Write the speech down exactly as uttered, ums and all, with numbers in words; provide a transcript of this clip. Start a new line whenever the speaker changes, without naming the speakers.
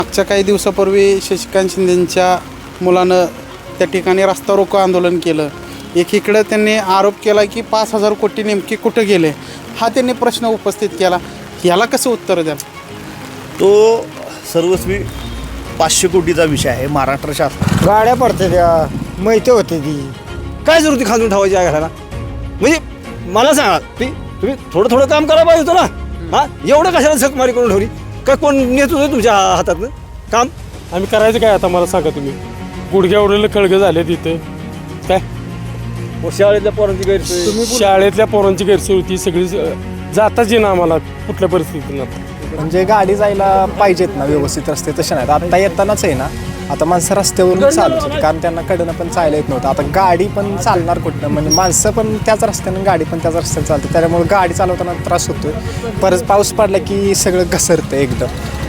मागच्या काही दिवसापूर्वी शशिकांत शिंदेंच्या मुलानं त्या ठिकाणी रस्ता रोको आंदोलन केलं. एकीकडं त्यांनी आरोप केला की पाच हजार कोटी नेमके कुठं गेले, हा त्यांनी प्रश्न उपस्थित केला. याला कसं उत्तर द्याल?
तो सर्वस्वी पाचशे कोटीचा विषय आहे. महाराष्ट्र शासन
गाड्या पडते त्या माहिती होते ती काय जरूर खांदून ठेवायची आहे घराला. म्हणजे मला सांगा ती तुम्ही थोडं थोडं काम करायला पाहिजे होतं ना. हां एवढं कशाला झकमारी करून ठेवली? काय कोण नेत होतं तुमच्या हातातनं काम?
आम्ही करायचं काय आता मला सांगा तुम्ही. गुडघ्यावरले खळगे झाले तिथे काय
शाळेतल्या पोरांची गैरसोय
शाळेतल्या पोरांची गैरसोय होती सगळी जाताच येईना आम्हाला कुठल्या परिस्थितीनं.
म्हणजे गाडी जायला पाहिजेत ना व्यवस्थित रस्ते तसे नाहीत. आता येतानाच आहे ना आता माणसं रस्त्यावरून चालत होती कारण त्यांना कडनं पण चालता येत नव्हतं. आता गाडी पण चालणार कुठनं म्हणजे माणसं पण त्याच रस्त्यानं गाडी पण त्याच रस्त्यानं चालते त्याच्यामुळे गाडी चालवताना त्रास होतोय. परत पाऊस पडला की सगळं घसरतं एकदम.